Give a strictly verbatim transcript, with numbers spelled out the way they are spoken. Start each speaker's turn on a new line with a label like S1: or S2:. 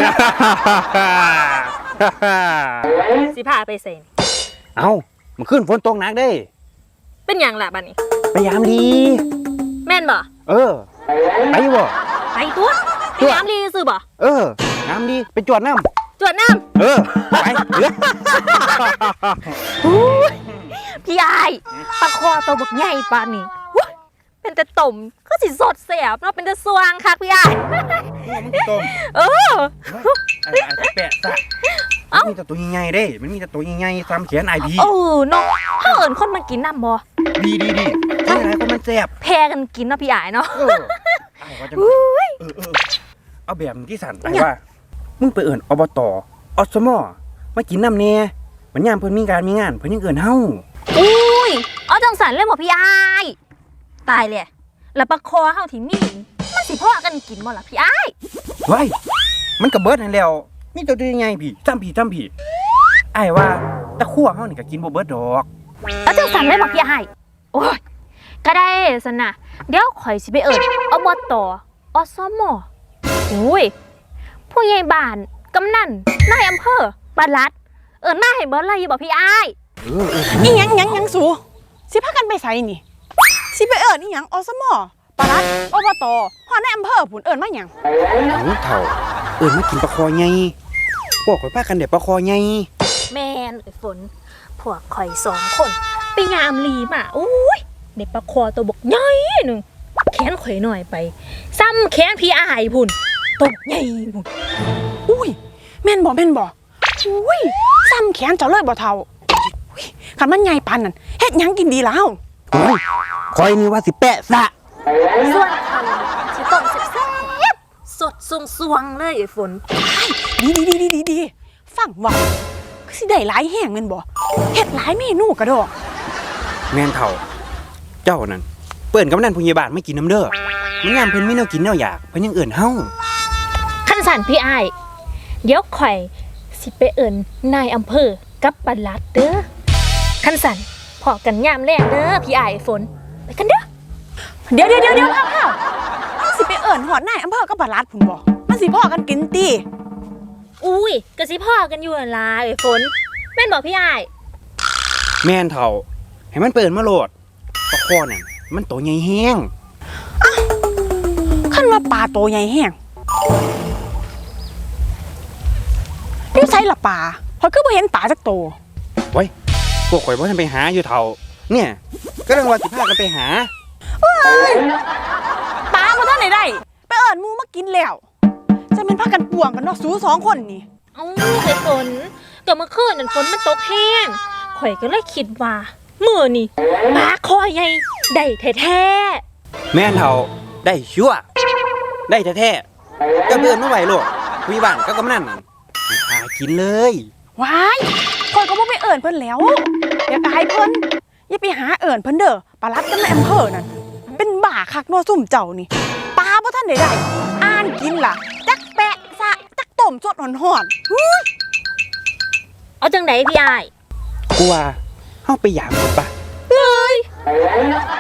S1: สิพาไปเซ็น
S2: เอ้ามันขึ้นฝนตกหนักได้
S1: เป็นอย่างล่ะบัดนี้
S2: ไปยามดี
S1: แม่นบ่
S2: เออไปบ่
S1: ไปตัวไปยามดีซื้อบ่
S2: เออยามดีไปจวดน้
S1: ำจวดน้
S2: ำเออไปเออ
S1: พี่ไอ้ปลาคอตัวบักใหญ่ปานนี้เป็นแต่ต้มก็สิสดแสบเนาะเป็นแต่สว่างคักพี่ไอ้
S2: มันต้ม
S1: เออ
S2: ไอ้ไอ้แปะซะมันมีแต่ตัวใหญ่ๆเด้มันมีแต่ตัวใหญ่ๆซ้ำแขนไอพี
S1: เออเนาะถ้าเอิญคนมากินน้ำบ่
S2: ดีดีดีใช่ไหมคนมันแซ่บ
S1: แพ้กันกินเนาะพี่ไอ้เนาะ
S2: เออไอ้ก็จะเออเออเอาแบบที่สั่นไปว่ามึงไปเอิญอบตอสมอมากินน้ำเนี่ยมันยามเพิ่นมีการมีงานเพิ่นยังเอิญเฮา
S1: อุ้ยเอาจังสันเลยบ่พี่ไอ้ตายเลยแล้วปลาคอเฮาที่มีมันสิพ่อกันกินบ่ล่ะพี่ไอ้
S2: เฮ้ยมันก็เบิดนั่นแล้วมีตัวใหญ่พี่จำพี่จำพี่ไอ้ว่าตะคั่วเฮานี่ก็กินบ่เบิดดอก
S1: เอาจังสันเลยบ่พี่ไอ้โอ้ยก็ได้ซั่นน่ะเดี๋ยวข่อยสิไปเอิ้นอบตอสมอุ้ยผู้ใหญ่บ้านกำนันนายอำเภอปลัดเอิ้นมาให้เบิดเลยบ่พี่ไอ้
S2: เออเออ
S3: อีหยังหยังหยังสูสิพากันไปไสนี่สิไปเอิ้นอีหยังอสมปลัดอบตฮอดในอำเภอพุ่นเอิ้นมาหยัง
S2: โอ้เฒ่าเอิ้นมากินปลาคอใหญ่พวกข่อยพากันได้ปลาคอใหญ่
S1: แม่นไอ้ฝนพวกข่อยสองคนไปยามลีมาโอ้ยได้ปลาคอตัวบกใหญ่นึงแขนข่อยหน่อยไปซ้ำแขนพี่อ้ายพุ่นตัวใหญ่พุ่น
S3: อุ้ยแม่นบ่แม่นบ่อุ้ยซ้ำแขนเจ้าเลยบ่เฒ่าอุ้ยคันมันใหญ่ปานนั่นเฮ็ดหยังกินดีแล้ว
S2: โอ้ยข่อยนี่ว่าสิแปะซะ
S1: ส่วนข่อยสิต้มแซ่บๆสดสวงๆเลยไอ้ฝน
S3: ดีดีดีดีดีฟังว่าคือสิได้หลายแห้งแม่นบ่เฮ็ดหลายเมนูกระดอก
S2: แม่นเฒ่าเจ้านั่นเปิ้นกำนันผู้ใหญ่บ้านไม่กินน้ำเด้อมันยามเพิ่นมีแนวกินแนวอยากเพิ่นยังเอิ้นเฮา
S1: คันสั่นพี่อ้ายเดี๋ยวข่อยสิไปเอิ้นนายอำเภอกับปลัดเด้อคันสั่นพอกันยามแรกเด้อพี่อ้ายฝนไปกันเด้อ
S3: เดี๋ยวเดี๋ยวเดี๋ยวเดี๋ยวข้าวๆสิไปเอิ้นฮอดนายอำเภอกับปลัดพุ่นบ่มันสิพอกันกินติ
S1: อุ้ยก็สิพ่อกันอยู่นั่นล่ะไอ้ฝนแม่นบ่พี่อ้าย
S2: แม่นเฒ่าให้มันเปิ้นมาโลดปลาคอนั่นมันโตใหญ่แฮง
S3: คันว่าปลาโตใหญ่แฮงอยู่ไสล่ะปลาข่อยคือบ่เห็นปลาจักโต
S2: โอ้ยพวกข่อยบ่ทันไปหาอยู่เฒ่าเนี่ยก็เรื่องว่าสิพากันไปหา
S3: เฮ้ยปลาบ่ทันได้ได้ไปเอิ้นหมู่มากินแล้วจะแม่นพากันป่วงกันเนาะสู้สองคนนี่
S1: เอ้าไอ้ฝนก็เมื่อคืนนั่นฝนมันตกแห้งข่อยก็เลยคิดว่ามื้อนี่ปลาคอใหญ่ได้แท้
S2: ๆแม่นเฒ่าได้ชัวร์ได้แท้ๆจะเบิ่นมาไว้โลดมีบ้านก็กำนันนั่นหากินเลย
S3: ว้ายข่อยก็บ่ไปเอิ้นเพิ่นแล้วอย่าไปเพิ่นอย่าไปหาเอิ้นเพิ่นเด้อปลัดกับนายอำเภอนั่นเป็นบ้าคักเนาะซุ่มเจ้านี่ปลาบ่ทันได้ได้อ่านกินล่ะจักแปะซะจักต้มสดฮ้อน
S1: ๆเอาจังได๋พี่อ้าย
S2: กูว่าเฮาไปหยามก่อนป่ะ
S1: เลย